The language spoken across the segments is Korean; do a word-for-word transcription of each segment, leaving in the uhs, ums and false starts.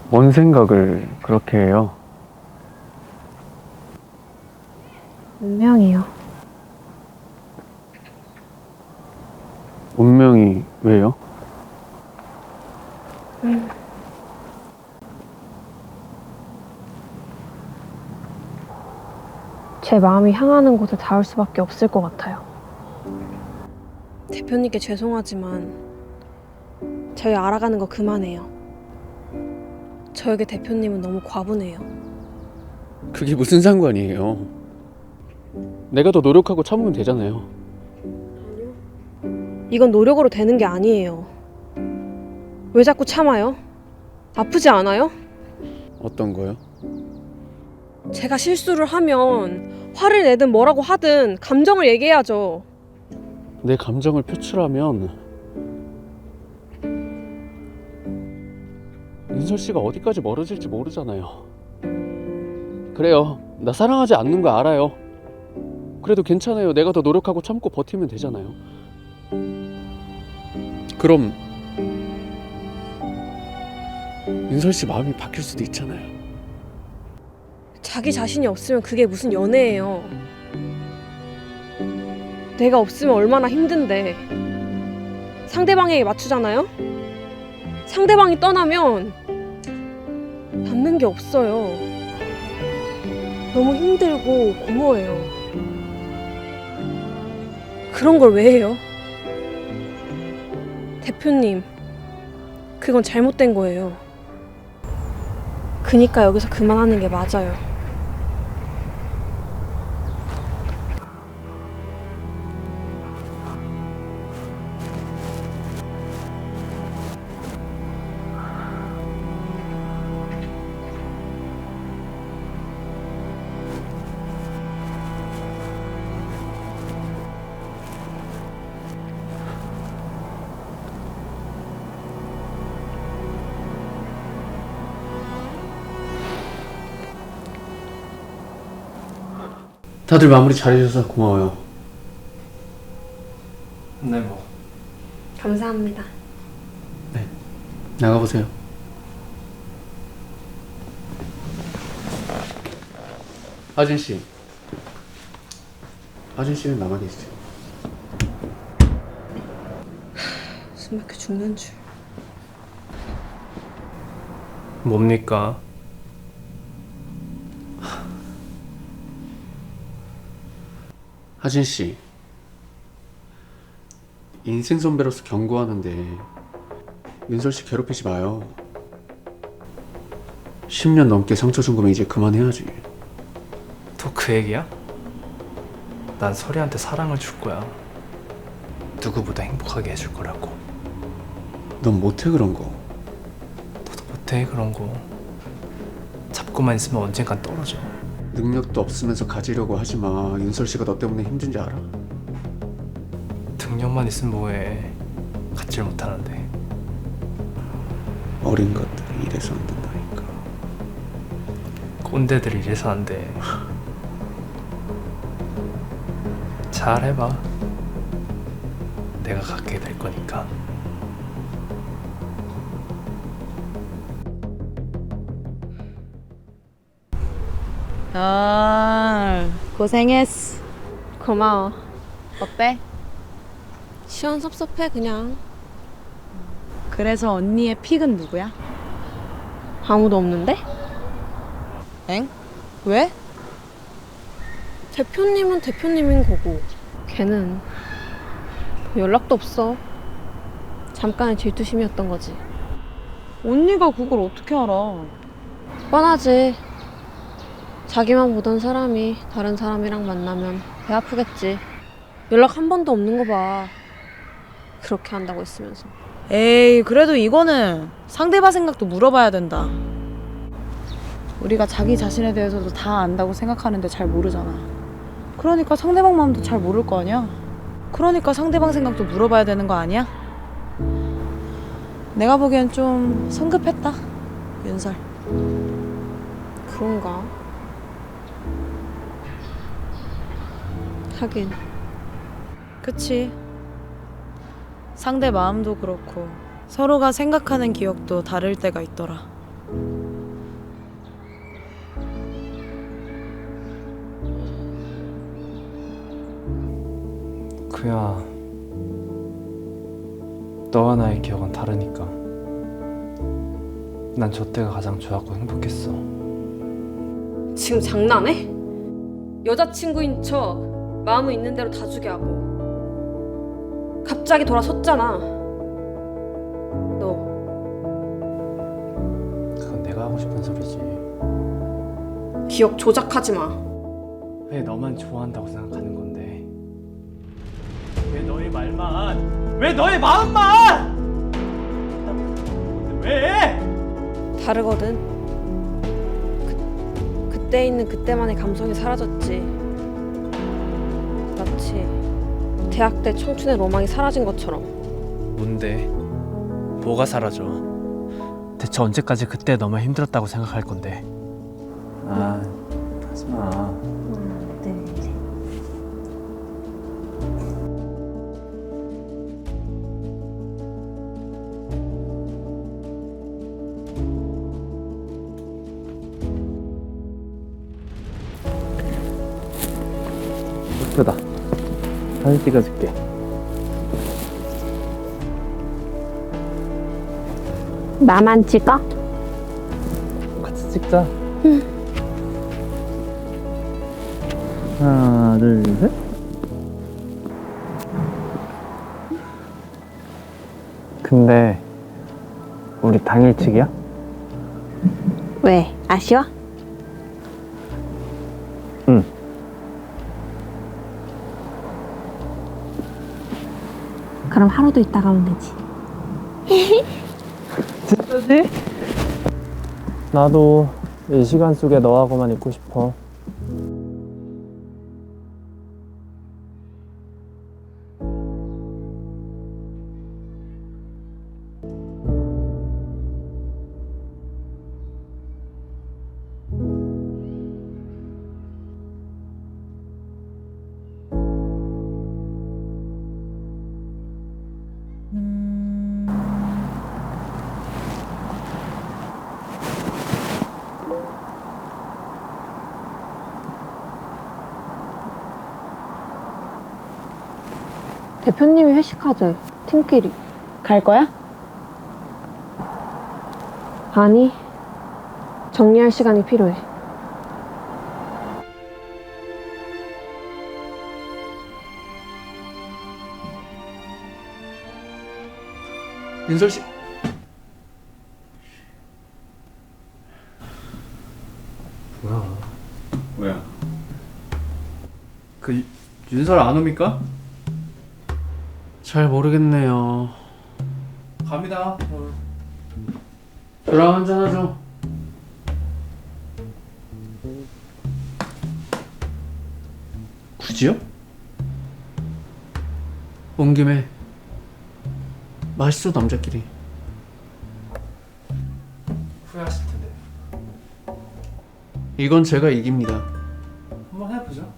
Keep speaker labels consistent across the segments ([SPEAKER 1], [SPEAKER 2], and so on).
[SPEAKER 1] 뭔 생각을 그렇게 해요?
[SPEAKER 2] 운명이요.
[SPEAKER 1] 운명이 왜요?
[SPEAKER 2] 음. 제 마음이 향하는 곳에 닿을 수밖에 없을 것 같아요. 대표님께 죄송하지만 저희 알아가는 거 그만해요. 저에게 대표님은 너무 과분해요.
[SPEAKER 1] 그게 무슨 상관이에요? 내가 더 노력하고 참으면 되잖아요.
[SPEAKER 2] 이건 노력으로 되는 게 아니에요. 왜 자꾸 참아요? 아프지 않아요?
[SPEAKER 1] 어떤 거요?
[SPEAKER 2] 제가 실수를 하면 화를 내든 뭐라고 하든 감정을 얘기해야죠.
[SPEAKER 1] 내 감정을 표출하면 윤설 씨가 어디까지 멀어질지 모르잖아요. 그래요. 나 사랑하지 않는 거 알아요. 그래도 괜찮아요. 내가 더 노력하고 참고 버티면 되잖아요. 그럼 윤설 씨 마음이 바뀔 수도 있잖아요.
[SPEAKER 2] 자기 자신이 없으면 그게 무슨 연애예요. 내가 없으면 얼마나 힘든데. 상대방에게 맞추잖아요? 상대방이 떠나면 남는 게 없어요. 너무 힘들고 공허해요. 그런 걸 왜 해요? 대표님, 그건 잘못된 거예요. 그니까 여기서 그만하는 게 맞아요.
[SPEAKER 1] 다들 마무리 잘해주셔서 고마워요.
[SPEAKER 3] 네, 뭐.
[SPEAKER 2] 감사합니다.
[SPEAKER 1] 네, 나가보세요. 하진 씨, 하진 씨는 남아 계세요.
[SPEAKER 2] 숨 막혀 죽는 줄.
[SPEAKER 3] 뭡니까?
[SPEAKER 1] 하진 씨, 인생 선배로서 경고하는데 윤설 씨 괴롭히지 마요. 십 년 넘게 상처 준 거면 이제 그만해야지.
[SPEAKER 3] 또 그 얘기야? 난 설이한테 사랑을 줄 거야. 누구보다 행복하게 해줄 거라고.
[SPEAKER 1] 넌 못해 그런 거.
[SPEAKER 3] 너도 못해 그런 거. 잡고만 있으면 언젠간 떨어져.
[SPEAKER 1] 능력도 없으면서 가지려고 하지 마. 윤설 씨가 너 때문에 힘든지 알아?
[SPEAKER 3] 능력만 있으면 뭐해. 갖질 못하는데.
[SPEAKER 1] 어린 것들이 이래서 안 된다니까.
[SPEAKER 3] 꼰대들이 이래서 안 돼. 잘 해봐. 내가 갖게 될 거니까.
[SPEAKER 4] 아, 고생했어.
[SPEAKER 2] 고마워.
[SPEAKER 4] 어때?
[SPEAKER 2] 시원섭섭해 그냥.
[SPEAKER 4] 그래서 언니의 픽은 누구야?
[SPEAKER 2] 아무도 없는데?
[SPEAKER 4] 엥? 왜?
[SPEAKER 2] 대표님은 대표님인 거고 걔는 연락도 없어. 잠깐의 질투심이었던 거지.
[SPEAKER 4] 언니가 그걸 어떻게 알아?
[SPEAKER 2] 뻔하지. 자기만 보던 사람이 다른 사람이랑 만나면 배 아프겠지. 연락 한 번도 없는 거 봐. 그렇게 한다고 했으면서.
[SPEAKER 4] 에이, 그래도 이거는 상대방 생각도 물어봐야 된다. 우리가 자기 자신에 대해서도 다 안다고 생각하는데 잘 모르잖아. 그러니까 상대방 마음도 잘 모를 거 아니야? 그러니까 상대방 생각도 물어봐야 되는 거 아니야? 내가 보기엔 좀 성급했다, 윤설.
[SPEAKER 2] 그런가? 하긴.
[SPEAKER 4] 그치. 상대 마음도 그렇고 서로가 생각하는 기억도 다를 때가 있더라.
[SPEAKER 3] 그야 너와 나의 기억은 다르니까. 난 저 때가 가장 좋았고 행복했어.
[SPEAKER 2] 지금 장난해? 여자친구인 척 마음은 있는 대로 다 주게 하고 갑자기 돌아섰잖아. 너
[SPEAKER 1] 그건 내가 하고 싶은 소리지.
[SPEAKER 2] 기억 조작하지 마.
[SPEAKER 3] 왜 너만 좋아한다고 생각하는 건데? 왜 너의 말만? 왜 너의 마음만? 왜?
[SPEAKER 2] 다르거든. 그, 그때 있는 그때만의 감성이 사라졌지. 마치 대학 때 청춘의 로망이 사라진 것처럼.
[SPEAKER 3] 뭔데? 뭐가 사라져? 대체 언제까지 그때 너무 힘들었다고 생각할 건데? 아, 하지마. 예쁘다. 사진 찍어줄게.
[SPEAKER 2] 나만 찍어?
[SPEAKER 3] 같이 찍자. 하나, 둘, 셋. 근데 우리 당일치기야?
[SPEAKER 2] 왜? 아쉬워?
[SPEAKER 3] 응.
[SPEAKER 2] 그럼 하루도 있다가 오면 되지.
[SPEAKER 3] 진짜지? 나도 이 시간 속에 너하고만 있고 싶어.
[SPEAKER 2] 대표님이 회식하재. 팀끼리.
[SPEAKER 4] 갈 거야?
[SPEAKER 2] 아니. 정리할 시간이 필요해.
[SPEAKER 1] 윤설 씨.
[SPEAKER 3] 뭐야?
[SPEAKER 1] 뭐야? 그 윤설 안 옵니까? 잘 모르겠네요. 갑니다. 저랑 한잔 하죠. 굳이요? 온 김에 마시죠, 남자끼리.
[SPEAKER 3] 후회하실 텐데.
[SPEAKER 1] 이건 제가 이깁니다.
[SPEAKER 3] 한번 해보죠.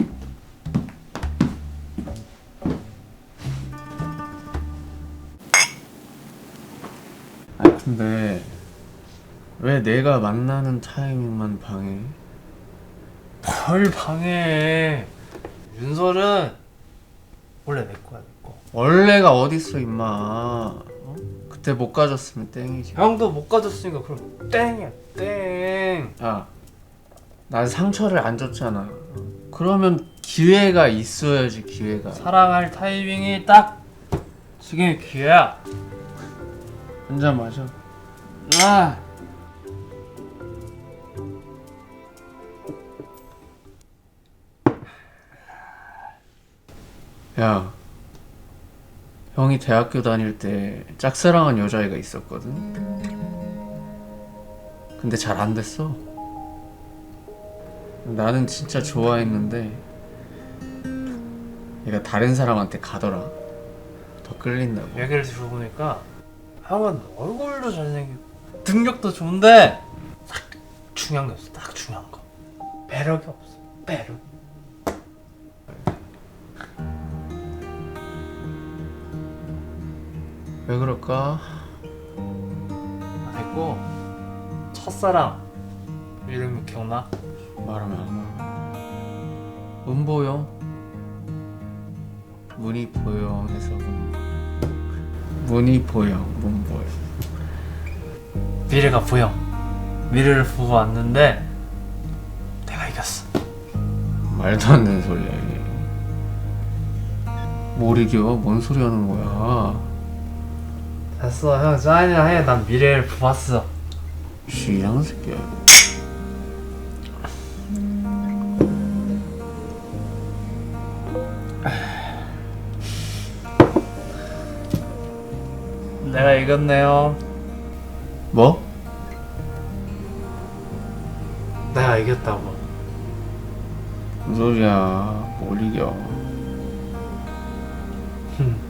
[SPEAKER 1] 아 근데 왜 내가 만나는 타이밍만 방해?
[SPEAKER 3] 뭘 방해해? 윤설은 원래 내 거야, 내 거.
[SPEAKER 1] 원래가 어딨어 임마. 어? 그때 못 가졌으면 땡이지.
[SPEAKER 3] 형도 못 가졌으니까 그럼 땡이야, 땡.
[SPEAKER 1] 야, 난 상처를 안 줬잖아. 그러면 기회가 있어야지. 기회가.
[SPEAKER 3] 사랑할 타이밍이 딱 지금이 기회야.
[SPEAKER 1] 한 잔 마셔. 아. 야, 형이 대학교 다닐 때 짝사랑한 여자애가 있었거든. 근데 잘 안 됐어. 나는 진짜 좋아했는데 얘가 다른 사람한테 가더라. 더 끌린다고.
[SPEAKER 3] 얘기를 들어보니까 형은 얼굴도 잘생기고 능력도 좋은데 딱 중요한 게 없어. 딱 중요한 거. 매력이 없어. 매력.
[SPEAKER 1] 왜 그럴까?
[SPEAKER 3] 됐고 첫사랑 이름이 기억나?
[SPEAKER 1] 말하면 안 와. 은보요.
[SPEAKER 3] 문이 보영해서 문이 보영 문 보영 미래가 보영 미래를 보고 왔는데 내가 이겼어. 말도 안 되는 소리야 이게. 뭘 이겨? 뭔 소리 하는 거야? 됐어 형 짠이나 해. 난 미래를 보았어. 쥐랑 새끼야 이거. 내가 이겼네요. 뭐? 내가 이겼다고. 무슨 소리야? 뭘 이겨?